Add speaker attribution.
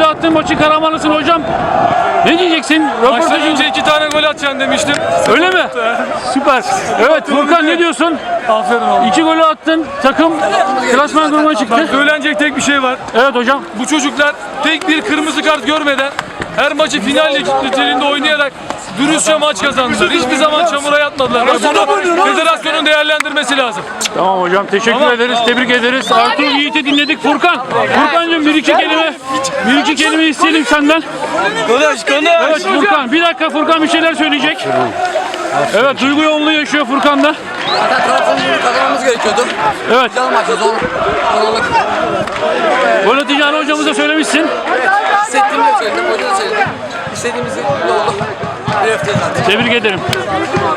Speaker 1: attın, maçın kahramanısın hocam. Ne diyeceksin?
Speaker 2: Maçtan önce 2 tane gol atacaksın demiştim.
Speaker 1: Öyle mi? Süper. Evet Furkan ne diyorsun?
Speaker 2: Aferin oğlum.
Speaker 1: 2 golü attın. Takım klasman grubuna çıktı.
Speaker 2: Bak söylenecek tek bir şey var.
Speaker 1: Evet hocam.
Speaker 2: Bu çocuklar tek bir kırmızı kart görmeden her maçı final niteliğinde oynayarak dürüstçe maç kazandılar. Hiçbir zaman çamura yatmadılar. Bunu federasyonun değerlendirmesi lazım.
Speaker 1: Tamam hocam teşekkür ederiz. Tebrik ederiz. Artur Yiğit'i dinledik. Furkancığım bir iki kelime isteyelim senden. Evet Furkan. Bir dakika Furkan bir şeyler söyleyecek. Evet duygu yoğunluğu yaşıyor Furkan da.
Speaker 3: Zaten Trabzon'u kazanmamız gerekiyordu.
Speaker 1: Evet.
Speaker 3: Güzel maçtı, zorluk.
Speaker 1: Gol atacağını hocamıza söylemişsin.
Speaker 3: Hissettiğimi de söyledim, hoca da söyledim. İstediğimiz gibi oldu. Bir öfte zaten.
Speaker 1: Tebrik ederim.